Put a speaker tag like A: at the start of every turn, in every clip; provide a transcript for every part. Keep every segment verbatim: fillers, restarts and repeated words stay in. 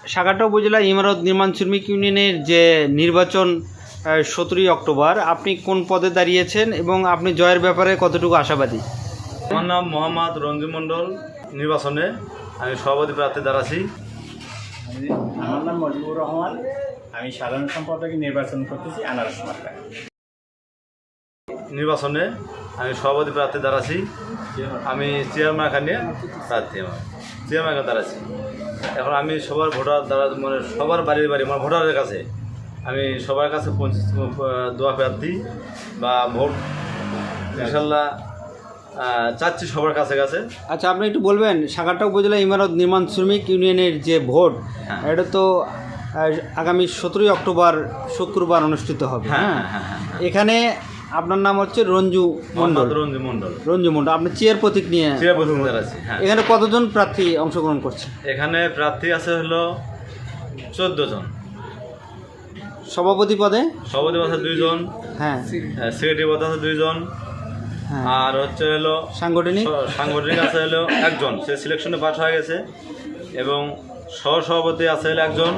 A: সাগারটা উপজেলা ইমারত নির্মাণ শ্রমিক ইউনিয়নের যে নির্বাচন সতেরোই অক্টোবর, আপনি কোন পদে দাঁড়িয়েছেন এবং আপনি জয়ের ব্যাপারে কতটুকু আশাবাদী?
B: আমার নাম মোহাম্মদ রঞ্জু মণ্ডল। নির্বাচনে আমি সভাপতি প্রার্থী দাঁড়াচ্ছি।
C: আমার নাম মজিবুর রহমান, আমি সাধারণ সম্পাদক নির্বাচন করতেছি আনারস মার্কায়।
B: নির্বাচনে আমি সভাপতি প্রার্থী দাঁড়াচ্ছি। আমি চেয়ার মার্কা নিয়ে প্রার্থী, আমার চেয়ার মার্কা দাঁড়াচ্ছি। এখন আমি সবার ভোটার দ্বারা মানে সবার বাড়ির বাড়ি মানে ভোটারের কাছে আমি সবার কাছে দোয়া প্রার্থী বা ভোট ইনশাল্লাহ চাচ্ছি সবার কাছে কাছে।
A: আচ্ছা, আপনি একটু বলবেন সাগারটা উপজেলা ইমারত নির্মাণ শ্রমিক ইউনিয়নের যে ভোট,
B: হ্যাঁ।
A: এটা তো আগামী সতেরোই অক্টোবর শুক্রবার অনুষ্ঠিত হবে।
B: হ্যাঁ
A: হ্যাঁ,
B: হ্যাঁ হ্যাঁ
A: এখানে আপনার নাম হচ্ছে রঞ্জু মণ্ডল।
B: রঞ্জু মণ্ডল
A: রঞ্জু মণ্ডল আপনি চেয়ার প্রতীক নিয়ে
B: চেয়ার প্রতীক দাঁড়াচ্ছি। হ্যাঁ,
A: এখানে কতজন প্রার্থী অংশগ্রহণ করছে?
B: এখানে প্রার্থী আছে হলো চোদ্দ জন।
A: সভাপতি পদে
B: সভাপতি আছে দুইজন,
A: হ্যাঁ,
B: সেক্রেটারি পদে আছে দুইজন,
A: হ্যাঁ,
B: আর হচ্ছে হলো
A: সাংগঠনিক
B: সাংগঠনিক আছে হলো একজন, সে সিলেকশনে পাস হয়ে গেছে, এবং সহ সভাপতি আছে হলো একজন,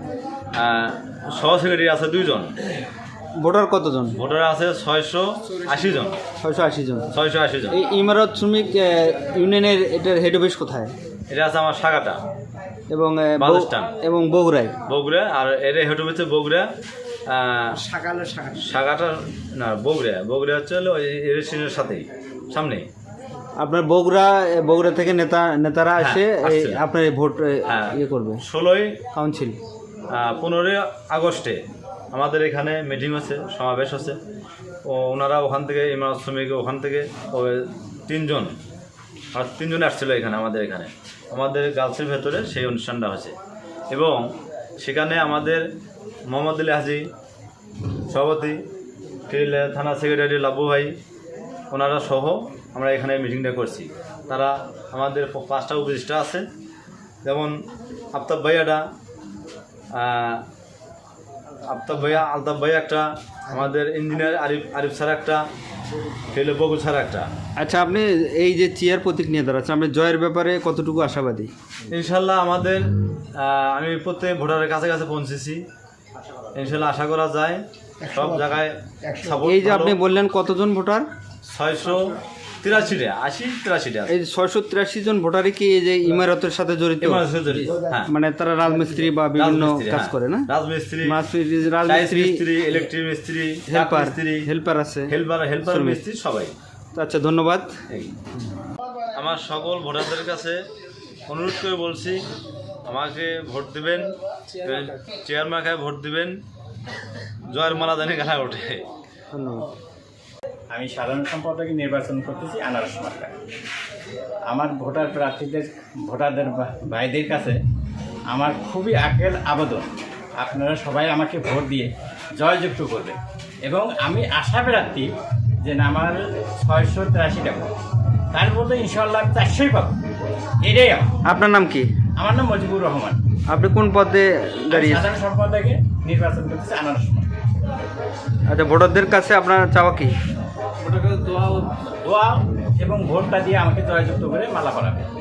B: সহ সেক্রেটারি আছে দুইজন।
A: ভোটার কতজন?
B: ভোটার আছে ছয়শো আশি জন।
A: ছয়শো আশি জন।
B: ছয়শো আশি জন।
A: এই ইমারত শ্রমিক ইউনিয়নের এটার হেড অফিস কোথায়?
B: এটা আছে আমার সাগাটা
A: এবং আহ, বৌ-
B: বালুচটান।
A: এবং বগুড়ায়।
B: বগুড়া। আর এটা হেঁটে হচ্ছে বগুড়া। সাগাটা না, বগুড়া। বগুড়া হচ্ছে হলো রেস্টুরেন্টের সাথেই সামনে।
A: আপনার বগুড়া বগুড়া থেকে নেতা নেতারা
B: হ্যাঁ,
A: এসে এই
B: আসছে।
A: আপনার এই ভোট এ,
B: হ্যাঁ।
A: ইয়ে করবে,
B: ষোলোই
A: কাউন্সিল।
B: পনেরোই আগস্টে আমাদের এখানে মিটিং হচ্ছে, সমাবেশ হচ্ছে। ও ওনারা ওখান থেকে ইমারত শ্রমিক ওখান থেকে ওই তিনজন আর তিনজনে আসছিলো এখানে আমাদের এখানে আমাদের গার্লসের ভেতরে সেই অনুষ্ঠানটা হচ্ছে। এবং সেখানে আমাদের মোহাম্মদ আলী হাজি সভাপতি, ফিরিলে থানা সেক্রেটারি লাবু ভাই, ওনারা সহ আমরা এখানে মিটিংটা করছি। তারা আমাদের পাঁচটা উপদেষ্টা আছে, যেমন আফতাব ভাইয়াটা, আফতাব ভাইয়া, আলতাফ ভাইয়া একটা, আমাদের ইঞ্জিনিয়ার আরিফ আরিফ স্যার একটা, ফেলে বকুল স্যার একটা।
A: আচ্ছা, আপনি এই যে চেয়ার প্রতীক নিয়ে দাঁড়াচ্ছেন, আপনি জয়ের ব্যাপারে কতটুকু আশাবাদী?
B: ইনশাল্লাহ আমাদের আমি প্রত্যেক ভোটারের কাছে কাছে পৌঁছেছি। ইনশাল্লাহ আশা করা যায় সব জায়গায় support
A: এই যে
B: ভালো।
A: আপনি বললেন কতজন ভোটার?
B: ছয়শো তিরাশিটা আশি তিরাশিটা
A: এই ছয়শো তিরাশি জন ভোটারই কি এই যে ইমারতের সাথে জড়িত?
B: হ্যাঁ,
A: মানে তারা রাজমিস্ত্রি বা বিভিন্ন
B: রাজমিস্ত্রি,
A: কাজ
B: হ্যাঁ।
A: করে না?
B: রাজমিস্ত্রি,
A: রাজমিস্ত্রি,
B: টাইলস
A: রাজমিস্ত্রি,
B: মিস্ত্রি, ইলেকট্রিক মিস্ত্রি,
A: হেল্পার
B: মিস্ত্রি,
A: হেল্পার আছে,
B: হেল্পার হেল্পার
A: শ্রমিক।
B: মিস্ত্রি সবাই।
A: আচ্ছা, ধন্যবাদ।
B: আমার সকল ভোটারদের কাছে অনুরোধ করে বলছি, আমাকে ভোট দিবেন, চেয়ার মার্কায় ভোট দিবেন, জয়ের মালা জানি গালায় ওঠে।
A: ধন্যবাদ।
C: আমি সাধারণ সম্পাদক নির্বাচন করতেছি আনারস মার্কায়। আমার ভোটার প্রার্থীদের ভোটারদের বা- ভাইদের কাছে আমার খুবই আকেল আবেদন, আপনারা সবাই আমাকে ভোট দিয়ে জয়যুক্ত করবেন। এবং আমি আশা প্রার্থী যে না, আমার ছয়শো তিরাশিটা ভোট, তার মধ্যে ইনশাল্লাহ আমি চারশোই পাবো। এটাই আমার
A: আপনার নাম কি?
C: আমার নাম মজিবুর রহমান।
A: আপনি কোন পদে
C: আমি
A: দাঁড়িয়েছেন?
C: সাধারণ সম্পাদকে নির্বাচন করতেছি আনারস মার্কায়।
A: আচ্ছা, ভোটারদের কাছে আপনার চাওয়া কি?
C: দোয়া এবং ভোটটা দিয়ে আমাকে জয়যুক্ত করে মালা পরাবে।